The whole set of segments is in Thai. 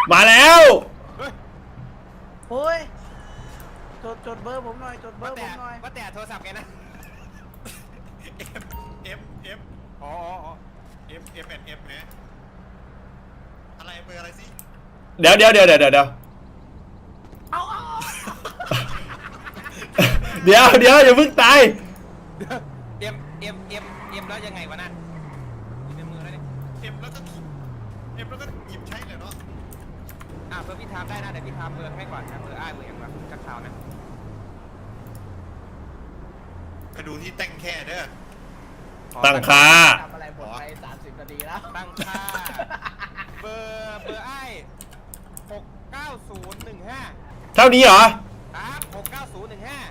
มาแล้วโอ้ยจดเบอร์ผมหน่อยจดเบอร์ผมหน่อยว่าแต่โทรศัพท์แกนะ F อ๋อ F เป็น F นะอะไรเบอร์อะไรสิเดี๋ยวเอาเดี๋ยวอย่าเพิ่งตายเอ็มแล้วยังไงวะน่ะอยู่ในมือแล้วนี่ F แล้วก็หยิบใช้เลยเนาะเบอร์พี่ทามได้นะเดี๋ยวพี่ทามเบอร์ให้ก่อนนะเบอร์เบอร์อย่างแบบกักข่าวนะไปดูที่แต่งแค่เด้อตั้งค่าทำอะไรหมดไป30 นาทีแล้วตั้งค่าเบอร์69015 เท่านี้เหรอครับ69015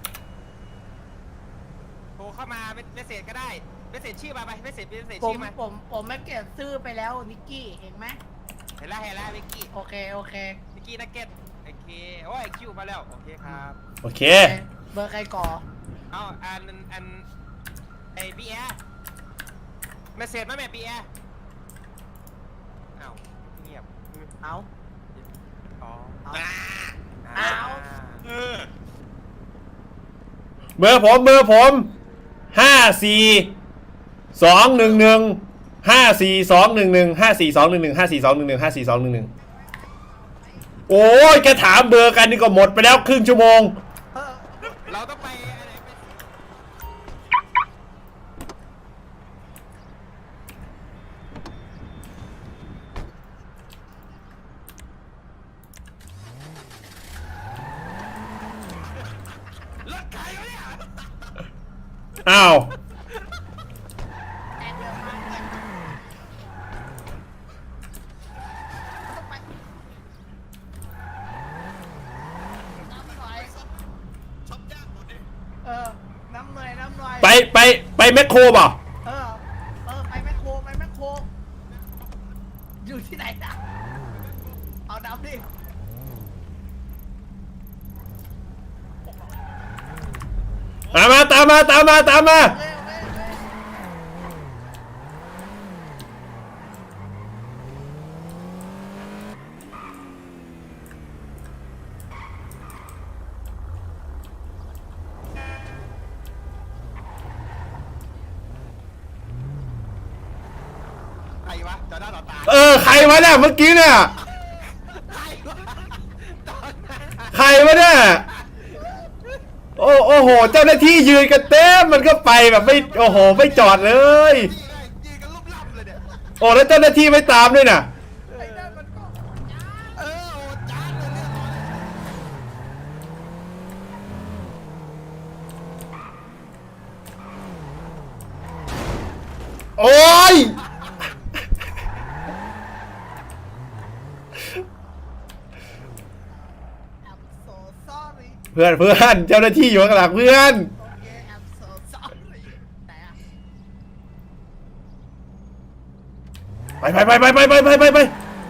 โทรเข้ามาเมสเซจก็ได้เมสเซจชื่อมาไปเมสเซจชื่อมาผมไม่เก็บซื้อไปแล้วนิกกี้เห็นไหมเห็นแล้ววิกกี้โอเควิกกี้นักเก็ตโอเคโอ้ยคิวมาแล้วโอเคครับโอเคเบอร์ใครก่อเอาอันไอปีแอเมสเซจมาแม่ปีแอเอาเงียบเอาอ๋อเอาเออเบอร์ผม54215421542154215421โอ้ยแกถามเบอร์กันนี่ก็หมดไปแล้วครึ่งชั่วโมงเราต้องไปอะไรไปรถใครวะเนี่ยอ้าวแอนเดอร์มาน้ำหน่อยช็อปยากหมดเลยน้ำหน่อยไปแมคโครป่ะไปแมคโครอยู่ที่ไหนนะเอาน้ำดิตามมาใครวะจอหน้าต่อตาใครวะเนี่ยเมื่อกี้เนี่ยใครวะตอนนั้นใครวะเนี่ยโอ้โหเจ้าหน้าที่ยืนกันเต็มมันก็ไปแบบไม่โอ้โหไม่จอดเลยยืนกันรูปล่ำเลยเนี่ยโอ้แล้วเจ้าหน้าที่ไม่ตามด้วยน่ะไอ้นั่นมันก็โอ้จานเลยเนี่ยโอ้ย I'm so sorry เพื่อนเจ้าหน้าที่อยู่ข้างหลังเพื่อน Okay I'm so sorry ไหนอะไป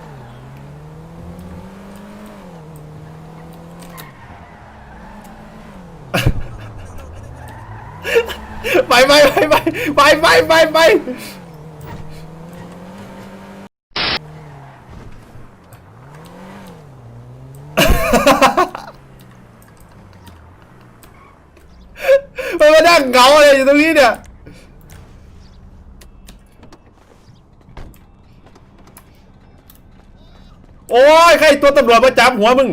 มันมานั่งเหงาอะไรอยู่ตรงนี้เนี่ยโอ้ยใครตัวตำรวจมาจับหัวมึง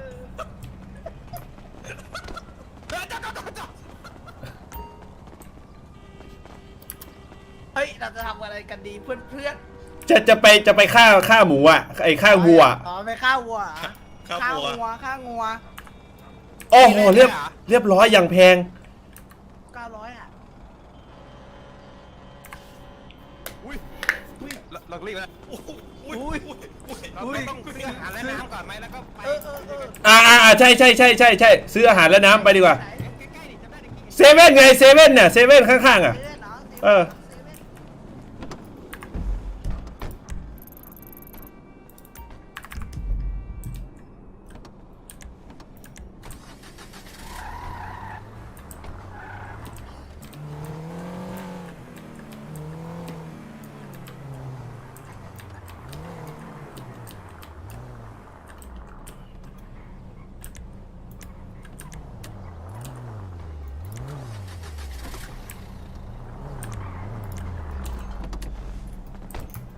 เฮ้ยเราจะทำอะไรกันดีเพื่อนจะไปฆ่าหมูอ่ะไอ้ฆ่าวัวอ๋อไปฆ่าวัวเหรอข้าวฆ่าบัวงัวโอ้โหเรียบร้อยอย่างแพง 900อ่ะอุ้ยเรารีบแล้วอุ้ยเราต้องซื้ออาหารและน้ำก่อนไหมแล้วก็ไปใช่ซื้ออาหารและน้ำไปดีกว่าไหนใกล้ๆดิจำได้ดิเซเว่นไงเซเว่นเนี่ยเซเว่นข้างๆอ่ะเซเว่นเหรอเออเซเว่น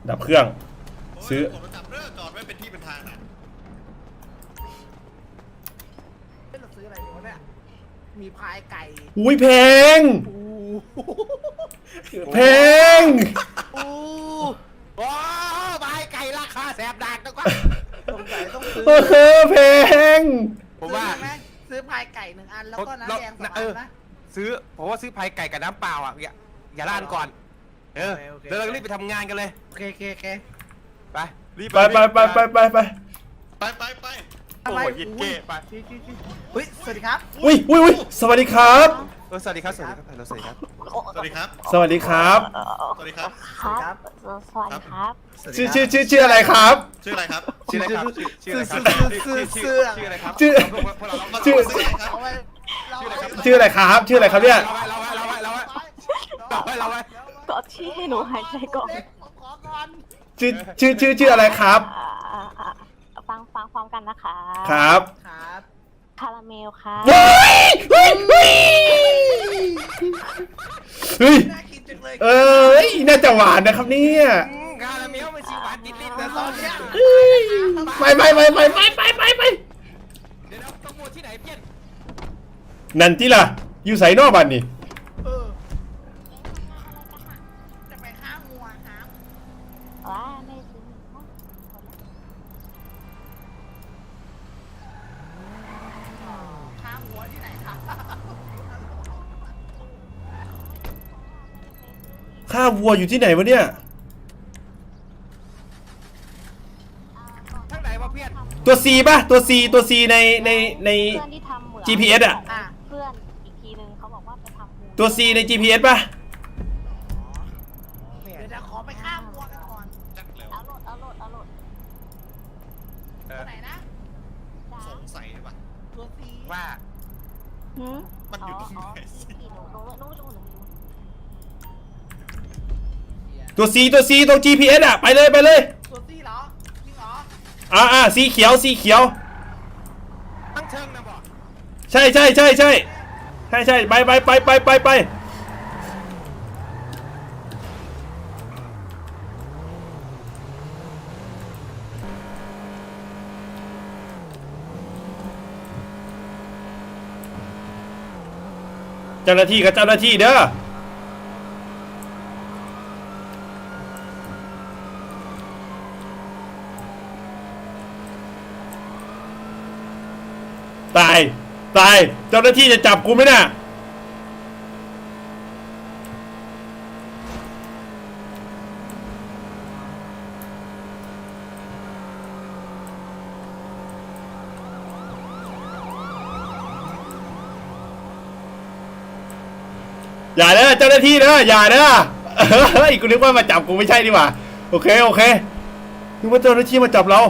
ดับเครื่อง ซื้อผมประจำเรื่องจอดไว้เป็นที่เป็นทางนะเฮ้ยเราซื้ออะไรดีวะเนี่ยมีพายไก่อุ้ยแพงอู้แพงอู้โอ้บายไก่ราคาแสบดักนะกว่าสงสัยต้องซื้อเออแพงผมว่าซื้อไหมซื้อพายไก่1 อันแล้วก็น้ำแดง2 อันนะซื้อผมว่าซื้อพายไก่กับน้ำเปล่าอ่ะอย่าล้านก่อนเดี๋ยวเรารีบไปทำงานกันเลยโอเคโอเคโอเคไปรีบไปไปไปไปไปไปไปโอ้ยยิงเก้ไปเฮ้ยสวัสดีครับอุ้ยอุ้ยอุ้ยสวัสดีครับสวัสดีครับสวัสดีครับสวัสดีครับสวัสดีครับสวัสดีครับสวัสดีครับครับ สวัสดีครับชื่ออะไรครับชื่ออะไรครับชื่ออะไรครับชื่ออะไรครับชื่อพวกเราชื่อชื่ออะไรครับเอาไว้เราชื่ออะไรครับ ชื่ออะไรครับเนี่ยเราไว้กดที่ให้หนูหายใจก่อนผมขอก่อนชื่ออะไรครับฟังพร้อมกันนะคะครับครับคาราเมลค่ะเฮ้ยเฮ้ยเฮ้ยเฮ้ยน่ากินจังเลยเอ้ยน่าจะหวานนะครับเนี่ยคาราเมลมันชีหวานติดลิ้นแต่นะตอนเนี้ยไปเดี๋ยวต้องมัวที่ไหนเพี้ยนนั่นที่ล่ะ อยู่ใส่นอกบ้านนี่เออจะไปฆ่างัวครับว้าไม่ซื้อฆ่างัวที่ไหนครับข้าวัวอยู่ที่ไหนวะเนี่ยทั้งไหนวะเพี้ยนตัว C ป่ะ ตัว C ตัว C ในเพื่อนที่ทำเหมือน GPS อ่ะอ่ะเพื่อนอีกทีนึงเขาบอกว่าไปทำมูตัว C ใน GPS ป่ะเดี๋ยวขอไปฆ่างัวกันก่อนจักเร็วเอาโหลดตัวไหนนะจ้าสงสัยป่ะตัวซีว่าหืมมันอยู่ตรงไหนสิหนูไม่รู้ตัว C ตัว C ตรง GPS อ่ะ ไปเลยตัวซีเหรอจริงเหรอสีเขียว สีเขียวตั้งเชิงนะบอกใช่ไปเจ้าหน้าที่กับเจ้าหน้าที่เด้อตายเจ้าหน้าที่จะจับกูไหมน่ะ อย่าเด้อเจ้าหน้าที่เด้ออย่าเด้อเฮ้ยกูนึกว่ามาจับกูไม่ใช่ดีกว่าโอเคนึกว่าเจ้าหน้าที่มาจับเรา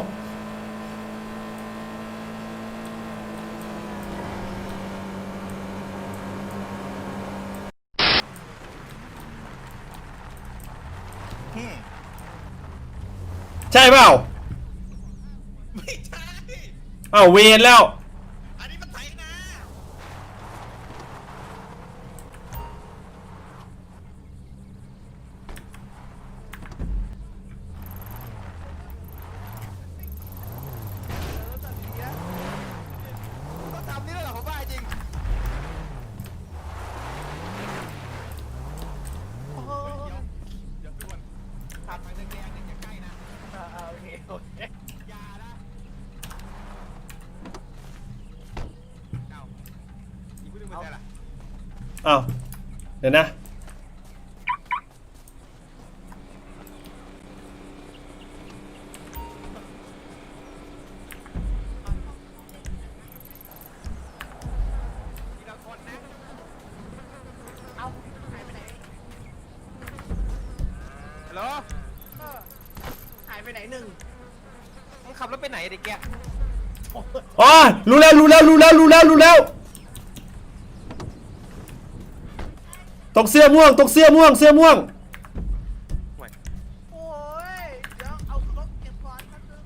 ใช่เปล่าไม่ใช่อ้าวเวรแล้วอันนี้มันไถนาต้องทำนี่แล้วเหรอผมว่าจริงโอ้โหเดี๋ยวด่วนผ่านไปแดงๆเนี่ยอย่าใกล้นะโอเคอย่านะเอ้าอีกผู้หนึงเป็นใครล่ะอ้าวเดี๋ยวนะทีละคนนะเอาหายไปไหนฮัลโหลเออหายไปไหนหนึ่งมึงขับรถไปไหนเด็กแกอ๋อรู้แล้วตรงเสื้อม่วงโอ้ยเดี๋ยวเอารถเก็บก่อนแป๊บนึง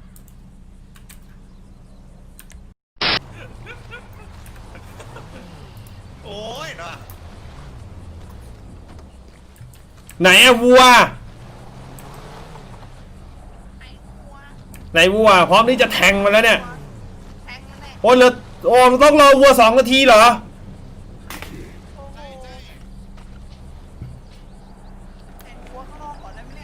โอ้ยเนาะไหนอะวัวไหนวัวพร้อมที่จะแทงมันแล้วเนี่ยแทงมันแน่โอ้ยเหลือโอ้มันต้องรอวัว2 นาทีเหรอโอ้โหแทงวัวข้างนอกก่อนได้ไหมเนี่ย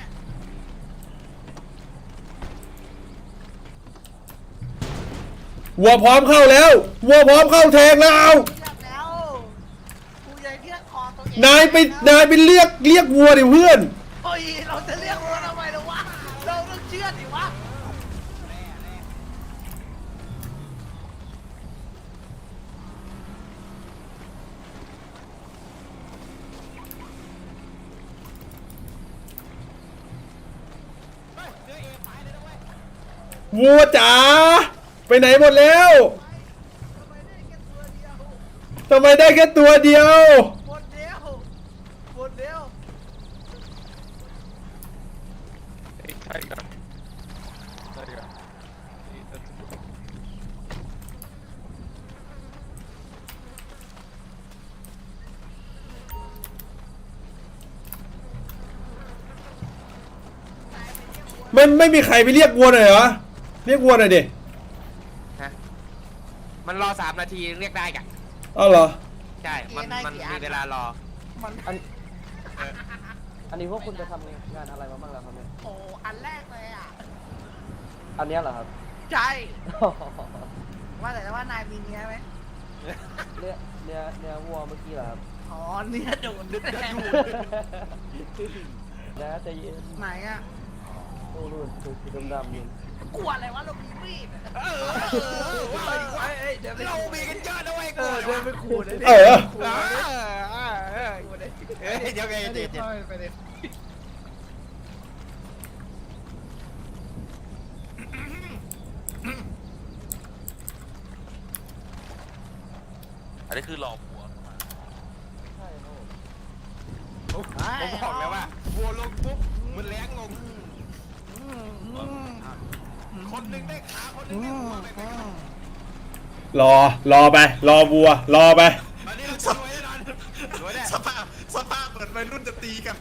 วัวพร้อมเข้าแล้ววัวพร้อมเข้าแทงแล้วเอาเลือกแล้วกูใหญ่เลือกคอตัวเองนายไปเรียกวัวดิเพื่อนโอ้ยเราจะเรียกวัวทำไมล่ะวะเราต้องเชื่อดิวะวัวจ๋าไปไหนหมดแล้วทำไมได้แค่ตัวเดียวทำไมได้แค่ตัวเดียวหมดเดียวหมดเดียวไม่มีใครไปเรียกวัวหน่อยเหรอเรียกวัวหน่อยดิฮะมันรอ3 นาทีเรียกได้กะอ้าวเหรอใช่มันมีเวลารอมันอันนี้พวกคุณจะทำงานอะไรมาบ้างแล้วครับเนี่ยโอ้อันแรกเลยอ่ะอันเนี้ยเหรอครับใช่ ว่าแต่ว่านายมีเนี้ยไหมเนื้อวัวเมื่อกี้เหรอครับอ๋อเนี้ยโดนดึกแน่นะใจเย็นไหนอ่ะโอ้รุ่นสีดำๆนี่กลัวอะไรวะเรามีมีดเดี๋ยวไปเรามีกันเยอะนะเว้ยเออเดินไปขู่เลยเออเดี๋ยวไงเดี๋ยวไปเลยอันนี้คือหลอกหัวเข้ามาใช่ครับผมผมบอกแล้วว่าวัวลงปุ๊บมันแรงลงคนหนึ่งได้ขาคนหนึ่งได้หัวไปรอไปรอวัวรอไปตอนนี้เราจะรวยแน่นอนรวยแน่สภาพเหมือนวัยรุ่นจะตีกัน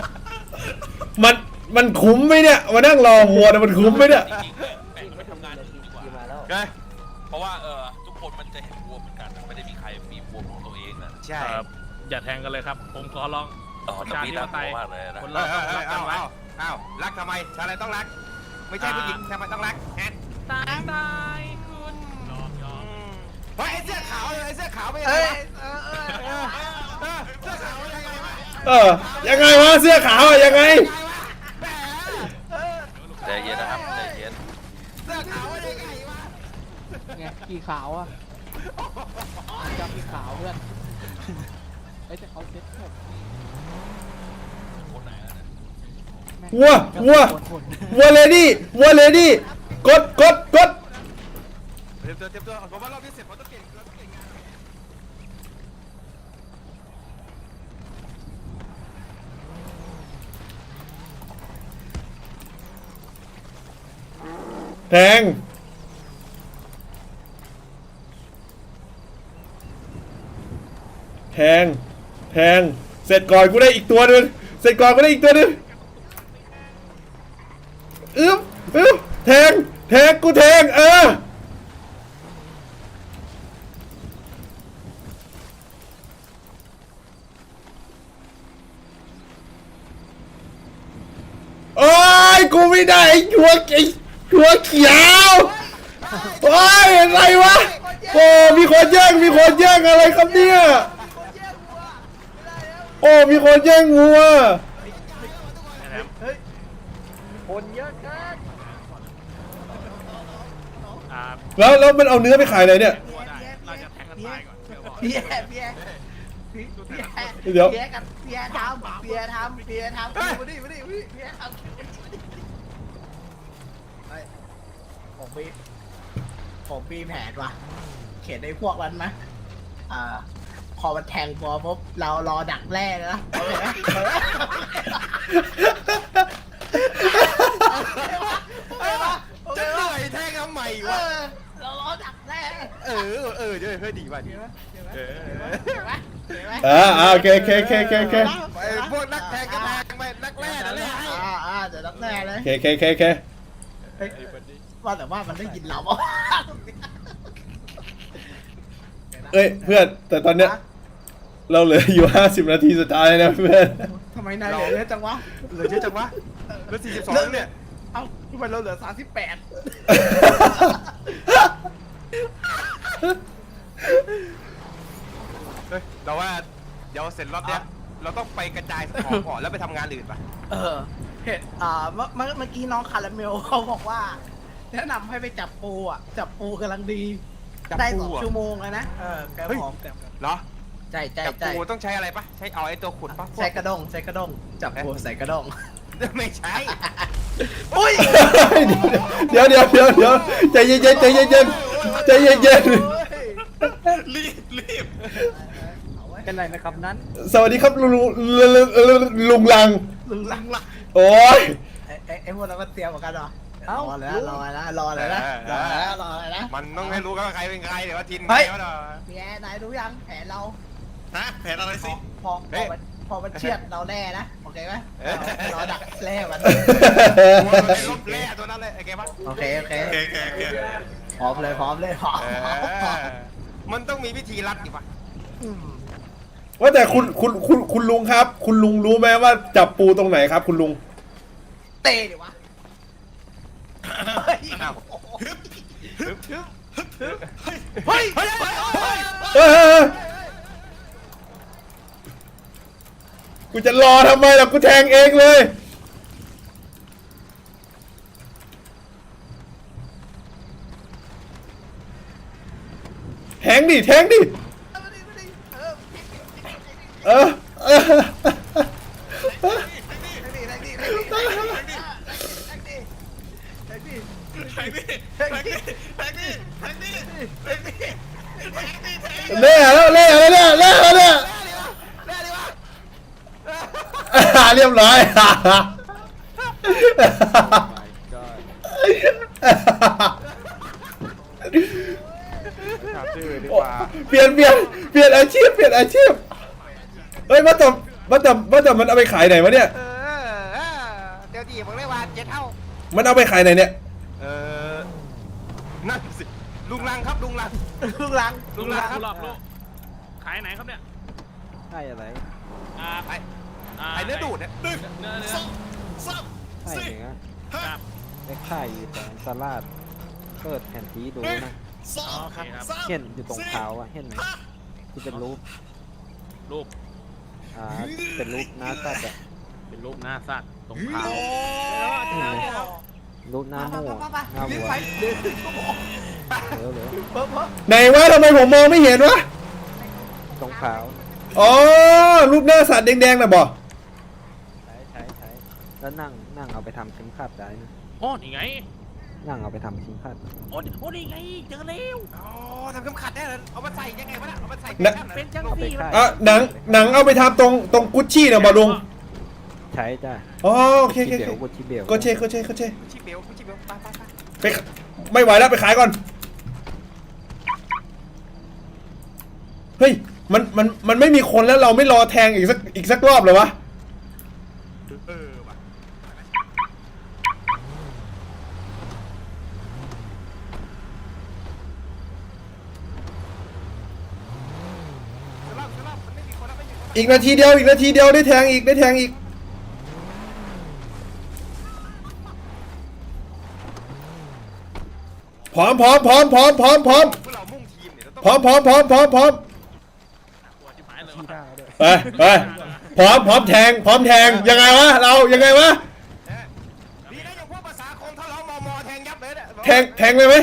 มันคุ้มไหมเนี่ยมานั่งรอวัวเนี่ยมันคุ้มไหมเนี่ยจริงๆเนี่ยแบ่งไปทำงานอื่นดีกว่าขี่มาแล้วใช่เพราะว่าทุกคนมันจะเห็นวัวเหมือนกันไม่ได้มีใครมีวัวของตัวเองนะใช่ครับอย่าแทงกันเลยครับ ผมขอร้องแต่พี่น่ากลัวมากเลยนะคนเอเราอต้องรักกันไว้อ้าวรักทำไมชาวอะไรต้องรัก ไม่ใช่ผู้หญิงทำไมต้องรักแอนตายคุณยอมเฮ้ยไอ้เสื้อขาวเลยไอ้เสื้อขาวไม่ยังเอ้ไงยวะเสื้อขาวยังไงวะยังไงวะเสื้อขาวอะยังไงแหมใจเย็นนะครับใจเย็นเสื้อขาวยังไงวะไงกี่ขาวอ่ะจำกี่ขาวเพื่อนไอ้แต่เขาเซ็ตหมดคนไหนแล้วเนี่ยแม่งวัว วัวเลดี้กดเตรียมตัวผมว่ารอบนี้เสร็จผมต้องเก่งเราต้องเก่งงานแทงเสร็จก่อนกูได้อีกตัวนึงแทงกูแทงโอ้ยกูไม่ได้ไอ้หัวเขียวโอ้ยอะไรวะโอ้มีคนแย่งอะไรครับเนี่ยโอ้มีคนแย่งวัวคนเยอะเกินแล้วมันเอาเนื้อไปขายไหนเนี่ยเราจะแทงกันตายก่อนเดี๋ยวบอกเบียร์ทำเบียร์ทำมาดิเบียร์ทำผมมีแผนว่ะเขียนในพวกนั้นไหมพอมันแทงพอปุ๊บเรารอดักแร่นะโอเคไหมจะเหนื่อยแทงทำไมวะเรารอดักแร่เดี๋ยวเฮ้ยดีว่ะดีเห็นไหมโอเคไอ้พวกนักแทงก็แทงไปนักแร่นั่นแหละเดี๋ยวดักแร่เลยโอเคฮ้ยว่าแต่ว่ามันได้ยินเราเปล่าเอ้ยเพื่อนแต่ตอนเนี้ยเราเหลืออยู่50 นาทีสุดท้ายนะเพื่อนทำไมนายเหลือเยอะจังวะเหลือเยอะจังวะเหลือ42เนี่ยเอ้าทำไมเราเหลือ38 เฮ้ยเราว่าเดี๋ยวเสร็จรอบเนี้ยเราต้องไปกระจายของก่อนแล้วไปทำงานอื่นป่ะเห็นเมื่อกี้น้องคาราเมลเขาบอกว่า แนะนำให้ไปจับปูอ่ะ จับปูกำลังดี ได้2 ชั่วโมงแล้วนะ แกบอกแต่เหรอใช่จับปูต้องใช้อะไรป่ะใช้เอาไอ้ตัวขุดป่ะใช้กระด้งจับปูใส่กระด้งไม่ใช่อุ้ยเดี๋ยวใจเย็นใจเย็นรีบเป็นไรนะครับนั้นสวัสดีครับลุงลังลุงลังโอ้ยไอ้พวกเราก็เตรียมเหมือนกันเหรอเอ้ารอเลยนะมันต้องให้รู้กันว่าใครเป็นใครเดี๋ยวว่าทินเฮ้ยใครวะเนาะพี่แอนนายรู้ยังแผนเราฮะแผนอะไรสิพอมันเชือดเราแน่นะโอเคไหมรอดักแร่มันตัวมันเป็นรถแร่ตัวนั้นเลยไอ้แกปะโอเคโอเคพร้อมเลยมันต้องมีวิธีรัดดิปะว่าแต่คุณลุงครับ คุณลุงรู้ไหมว่าจับปูตรงไหนครับ คุณลุงเตะดิวะอ้าวเฮ้ยเออกูจะรอทำไมล่ะกูแทงเองเลยแทงดิเออ เล่แล้วเรียบร้อยเปลี่ยนอาชีพเฮ้ยมาแต่มันเอาไปขายไหนวะเนี่ยเดี๋ยวดีผมเลยว่า7 เท่ามันเอาไปขายไหนเนี่ยนั่นสิลุงลังครับลุงลังลุงลังลุงลาครับลูกขายไหนครับเนี่ยใช่อะไรไอ้เนื้อดูดเนี่ยเนื้อใช่เหนือไอ้ไข่แต่สลัดเปิดแผ่นทีดูนะโอเคครับเห็นอยู่ตรงเท้าอะเห็นไหมที่เป็นรูปรูปเป็นรูปหน้าสัตว์อะเป็นรูปหน้าสัตว์ตรงเท้าเห็นไหมรูปหน้าหมูหน้าวัวเหลือไหนวะทำไมผมมองไม่เห็นวะตรงเท้าอ๋อรูปหน้าสัตว์แดงๆน่ะบ่ใช้แล้วนั่งเอาไปทำชิ้นขัดได้นะโอ้นี่ไงนั่งเอาไปทำชิ้นขัดโอ้นี่ไงเจอแล้วอ๋อทำเข็มขัดได้เหรอเอามาใส่ยังไงวะน่ะเอามาใส่เป็นจังเอาไปซี่ขายอ่ะหนังเอาไปทำตรงกุชชี่น่ะบ่ลุงใช้จ้ะอ๋อโอเคชิเบลชิเบลก็เช่ชิเบลไปไปไม่ไหวแล้วไปขายก่อนเฮ้ยมันไม่มีคนแล้วเราไม่รอแทงอีกสักรอบเหรอวะว่ะสลับมันไม่มีคนแล้วไม่มีคนอีกนาทีเดียวได้แทงอีกพร้อมพวกเรามุ่งทีมเนี่ยเราต้องพร้อมปวดที่หมายเลยว่ะไปพร้อมแทงยังไงวะเรายังไงวะดีนะอย่างพวกภาษาคมถ้าเรามอแทงยับเลยเนี่ยแทงเลยไหม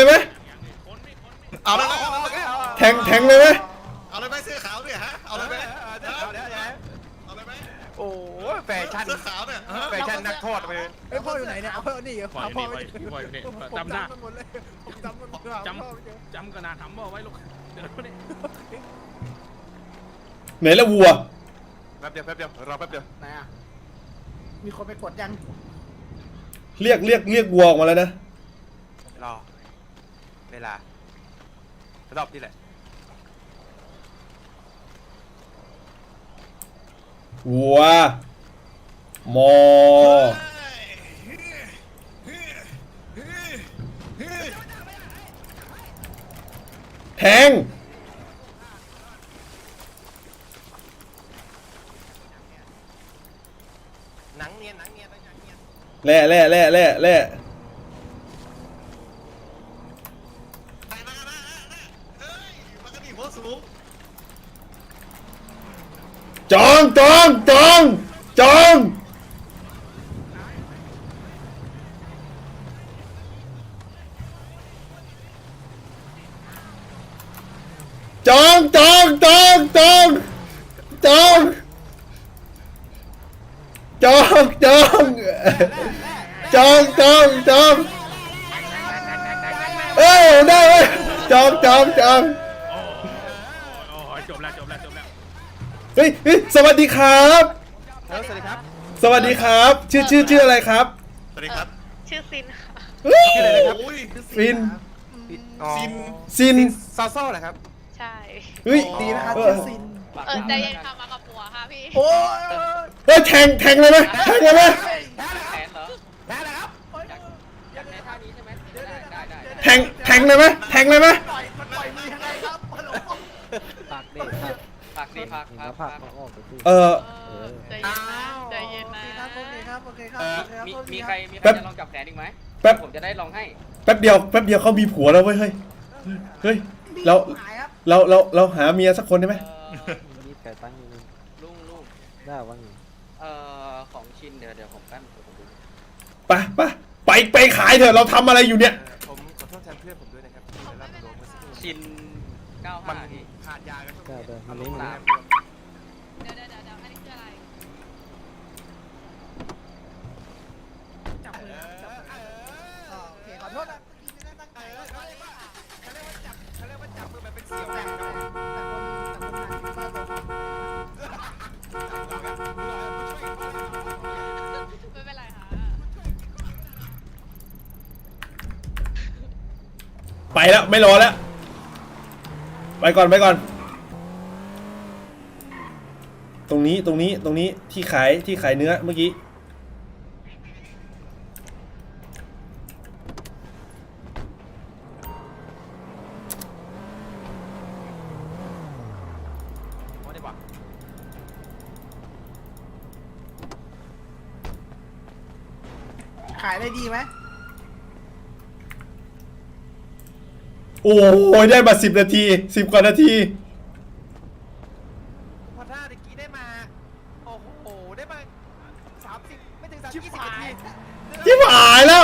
เอาเลยไหมแทงเลยไหมเอาเลยไหมเสื้อขาวเนี่ยฮะเอาเลยไหมเดี๋ยวเอาเลยไหมโอ้แฟชั่นเสื้อขาวเนี่ยแฟชั่นนักโทษไปเลยไอ้พ่ออยู่ไหนเนี่ยเอาพ่อนี่ปล่อยนี่จำได้หมดเลยผมจำมันหมดเลยจำกระดาษทำบ่ไว้ลูกเดี๋ยวนี่ไหนละวัวแป๊บเดียวรอแป๊บเดียวไหนอ่ะมีคนไปกดยังเรียกวัวออกมาแล้วนะรอเวลา รอบนี่แหละวัวมอแทงหนังเนียนหนังเนียนหนังเนียนแล่แล่แล่แล่แล่ไปมาเฮ้ยมันก็ดีหัวสูงจองจองจองจองจองจองจองจองจองจองจองจองจองจองเอ้ยได้เว้ยจองจองจองโอ้ยจบแล้วจบแล้วจบแล้วเฮ้ยเฮ้ยสวัสดีครับสวัสดีครับสวัสดีครับ ชื่ออะไรครับสวัสดีครับชื่อซินค่ะเฮ้ยชื่ออะไรนะครับอุ้ยฟินซินซินซาโซ่เหรอครับใช่เฮ้ยดีนะครับชื่อซินใจเย็นค่ะมากับปัวค่ะพี่โอ้ยเฮ้ยแทงเลยไหมแทงเลยไหมแขนเหรอได้แล้วครับอยากในท่านี้ใช่ไหมได้แทงเลยไหมแทงเลยไหมปล่อยมันปล่อยมือยังไงครับฮัลโหลผักเด็กผักผักดิผักเห็นแล้วผักมาออกไปสิเออใจเย็นนะใจเย็นนะโอเคครับโอเคครับโอเคครับมีใครจะลองจับแขนอีกไหมแป๊บผมจะได้ลองให้แป๊บเดียวเขามีผัวแล้วเว้ยเฮ้ยเฮ้ยเราหายครับเราหาเมียสักคนได้ไหมมีไก่ตั้งอยู่นึงลุงได้ว่าไงของชินเดี๋ยวผมแป๊บเดี๋ยวผมดูไปขายเถอะเราทำอะไรอยู่เนี่ยผมขอโทษแทนเพื่อนผมด้วยนะครับที่ได้รับโดนเมื่อสักครู่ชินมัน 95พี่ขาดยากันทุกได้อย่างได้มันนี้มันสามเดี๋ยวอันนี้คืออะไรจับมือครับจับมือโอเคขอโทษนะไม่ได้ตั้งใจว่าเขาเรียกว่าจับมือแบบเป็นเสี่ยวแต่กันคนครับผมงานที่บ้านเราไม่เป็นไรค่ะไปแล้วไม่รอแล้วไปก่อนตรงนี้ที่ขายเนื้อเมื่อกี้เอาดีกว่าขายได้ดีไหมโอ้ยได้มา10 นาที 10 กว่านาทีพอท่าตะกี้ได้มาโอ้โหได้มา30ไม่ถึง30 20นาทีที่หายแล้ว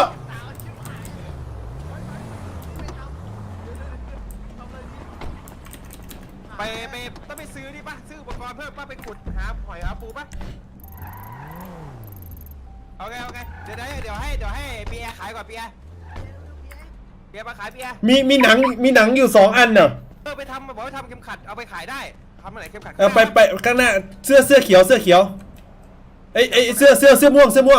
ไปต้องไปซื้อนี่ป่ะซื้ออุปกรณ์เพิ่มป่ะไปขุดหาหอยหาปูป่ะโอเคเดี๋ยวให้เบียร์ขายก่อนเบียร์มาขายเบียร์มีหนังอยู่2 อันเนอะไปทำบอกว่าทำเข็มขัดเอาไปขายได้ทำอะไรเข็มขัดไปข้างหน้าเสื้อเขียวเอ้ยเสื้อม่วง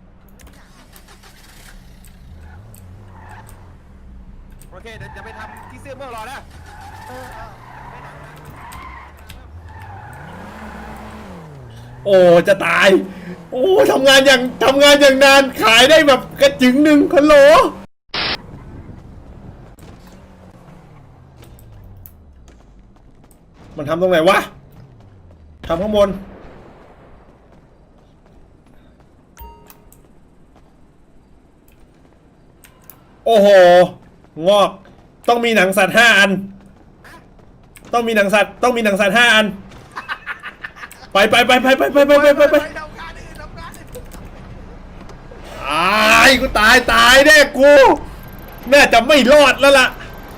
โอเคเดี๋ยวจะไปทำที่เสื้อเมื่อรอนะโอ้จะตาย โอ้ทำงานอย่างนานขายได้แบบกระจึงหนึ่งฮัลโหลมันทำตรงไหนวะทำข้างบนโอ้โหงอกต้องมีหนังสัตว์5 อันต้องมีหนังสัตว์5 อันไปทำงานอื่นทำงานอื่นกูตายแน่กูน่าจะไม่รอดแล้วล่ะ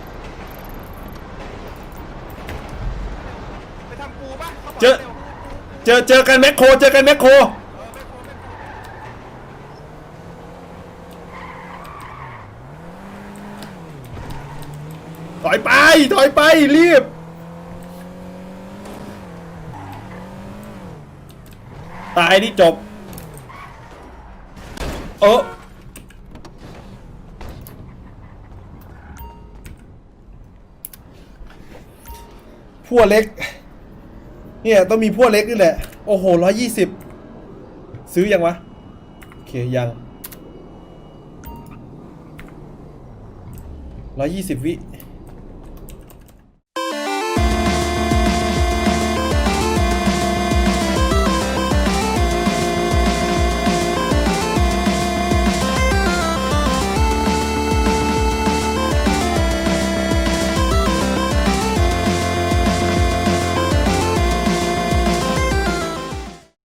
ไปทำปูป่ะเจอกันแมคโครถอยไปรีบตายนี่จบพวกเล็กเนี่ยต้องมีพวกเล็กนี่แหละโอ้โห120ซื้อยังวะโอเคยัง120 วิ